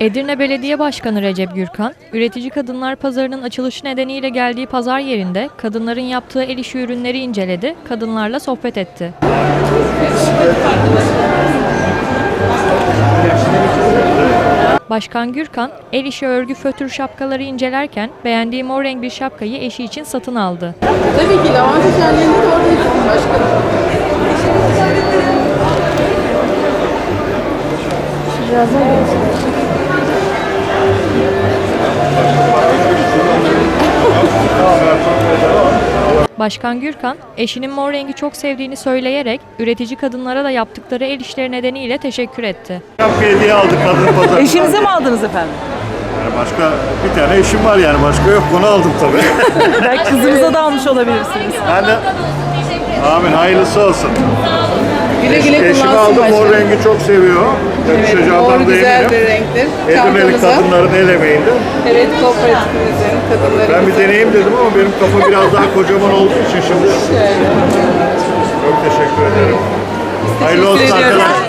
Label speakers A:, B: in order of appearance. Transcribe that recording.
A: Edirne Belediye Başkanı Recep Gürkan, üretici kadınlar pazarının açılışı nedeniyle geldiği pazar yerinde kadınların yaptığı el işi ürünleri inceledi, kadınlarla sohbet etti. Başkan Gürkan, el işi örgü fötür şapkaları incelerken beğendiği mor renk bir şapkayı eşi için satın aldı.
B: Tabii ki lavanta şenliğinde de oradayız başkanım. Birazdan görüşürüz.
A: Başkan Gürkan, eşinin mor rengi çok sevdiğini söyleyerek üretici kadınlara da yaptıkları el işleri nedeniyle teşekkür etti.
C: Şapka hediye aldık kadın pazarında.
D: Eşinize mi aldınız efendim?
C: Yani başka bir tane eşim var yani başka yok, onu aldım tabii.
D: Belki kızınıza da almış olabilirsiniz.
C: Ben de amin, hayırlısı olsun.
B: Güle güle
C: Eşim
B: kullansın
C: aldım, mor
B: başkanım.
C: rengi çok seviyor.
B: Evet,
C: Yakışacağından
B: mor
C: da
B: güzel bir
C: eminim.
B: renktir.
C: Edirne'li
B: Çantamıza.
C: kadınların el emeğinde.
B: Evet, kooperatifimizin kadınları.
C: Ben bir deneyeyim dedim ama benim kafa biraz daha kocaman olduğu için şimdi. Çok teşekkür ederim. Hayırlı olsun
B: Teşekkür ediyoruz.
C: arkadaşlar.